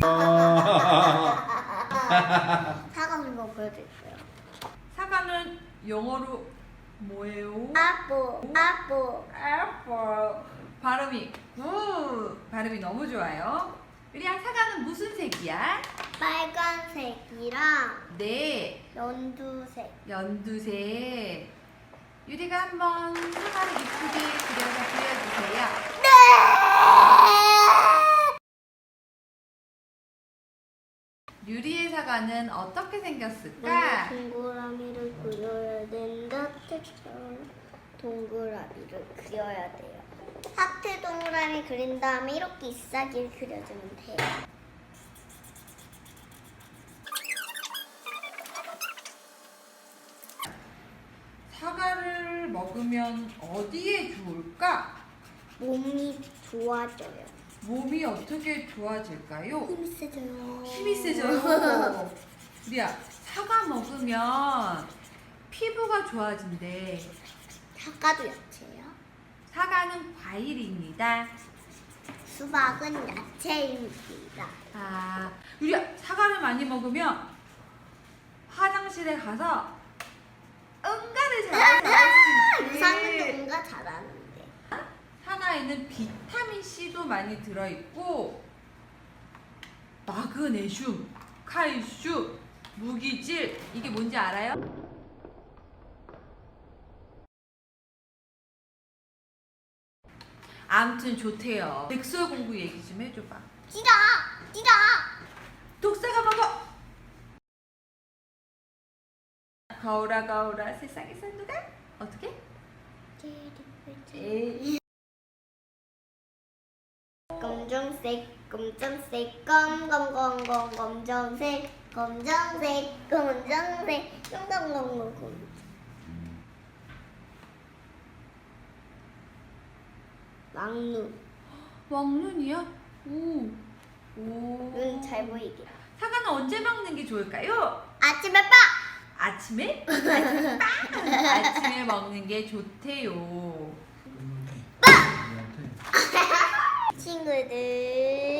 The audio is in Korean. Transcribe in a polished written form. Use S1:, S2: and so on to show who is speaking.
S1: 사과 한번 보여드릴게요.
S2: 사과는 영어로 뭐예요?
S1: apple.
S2: 발음이 발음이 너무 좋아요. 우리야, 사과는 무슨 색이야?
S1: 빨간색이랑
S2: 네,
S1: 연두색.
S2: 연두색. 유리가 한번 사과를 이쁘게 그려서 보여주세요.
S1: 네!
S2: 유리의 사과는 어떻게 생겼을까?
S1: 동그라미를 그려야 된다. 텍스처럼 동그라미를 그려야 돼요. 하트 동그라미 그린 다음에 이렇게 잎사귀를 그려주면 돼요.
S2: 사과를 먹으면 어디에 좋을까?
S1: 몸이 좋아져요.
S2: 몸이 어떻게 좋아질까요?
S1: 힘이 세져요.
S2: 힘이 세져요. 우리야, 사과 먹으면 피부가 좋아진대.
S1: 사과도 야채예요.
S2: 사과는 과일입니다.
S1: 수박은 야채입니다.
S2: 아, 우리야, 사과를 많이 먹으면 화장실에 가서 응가를 잘할 수 있대.
S1: 유산균도 뭔가 잘하는데.
S2: 사과에는 비타민 C도 많이 들어있고 마그네슘, 칼슘, 무기질, 이게 뭔지 알아요? 아무튼 좋대요. 백설 공부 얘기 좀 해줘봐.
S1: 찌다!
S2: 독사가 먹어! 거울아 세상에서 누가? 어떻게? 에이.
S1: 검정색, 검정색, 검정색.
S2: 왕눈이야? 오.
S1: 눈 잘 보이게.
S2: 사과는 언제 먹는 게 좋을까요?
S1: 아침에 빠!
S2: 아침에? 아침에 빵! 아침에 먹는 게 좋대요.
S1: 친구들